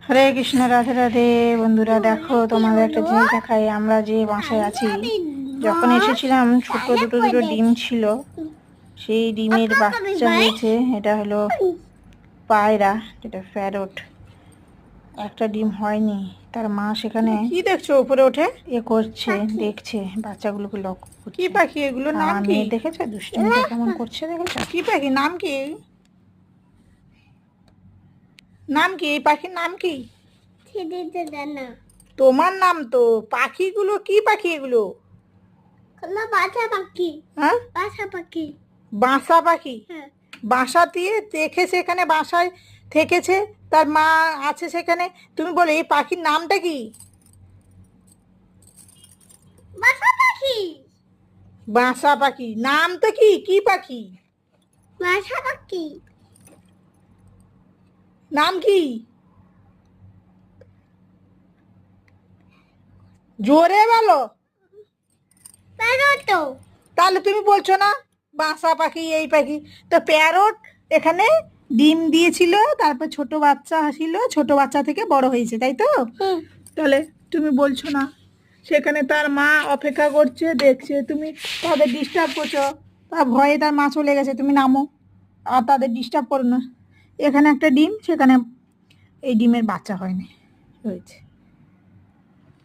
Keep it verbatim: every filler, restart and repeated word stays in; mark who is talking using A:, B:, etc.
A: হরে কৃষ্ণ, রাধে রাধে। বন্ধুরা দেখো, তোমাদের একটা জিনিস দেখাই। আমরা যে বাসায় আছি, যখন এসেছিলাম ছোট দুটো দুটো ডিম ছিল, সেই ডিমের বাচ্চা হয়েছে। এটা হলো পায়রা, যেটা প্যারট। একটা ডিম হয়নি, তার মা সেখানে কি দেখছো উপরে ওঠে এ করছে, দেখছে বাচ্চাগুলোকে লক্ষ্য করছে। কি পাখি এগুলো, নাম কি দেখেছো? দুষ্টুমিটা কেমন করছে দেখেছো? কি পাখি, নাম কি? নাম কি এই পাখির নাম কি? তোমার নাম তো। পাখিগুলো কি পাখি এগুলো?
B: বাসা পাখি।
A: হ্যাঁ,
B: বাসা পাখি।
A: বাসা পাখি।
B: হ্যাঁ।
A: বাসা দিয়ে দেখেছে, এখানে বাসায় থেকেছে, তার মা আছে সেখানে। তুমি বলে এই পাখির নামটা কি?
B: বাসা পাখি।
A: বাসা পাখি নাম তো কি? কি পাখি
B: বাসা পাখি।
A: নাম কি? জোরে বলো।
B: প্যারট।
A: তাহলে তুমি বলছো না বাসা পাখি এই পাখি? তো প্যারট এখানে ডিম দিয়েছিল, তারপর ছোট বাচ্চা ছিল, ছোট বাচ্চা থেকে বড় হয়েছে, তাই তো? তাহলে তুমি বলছো না সেখানে তার মা অপেক্ষা করছে, দেখছে, তুমি তাদের ডিস্টার্ব করছো। তার ভয়ে তার মা চলে গেছে, তুমি নামো আর তাদের ডিস্টার্ব করো না। এখানে একটা ডিম, সেখানে এই ডিমের বাচ্চা হয়নি, হয়েছে।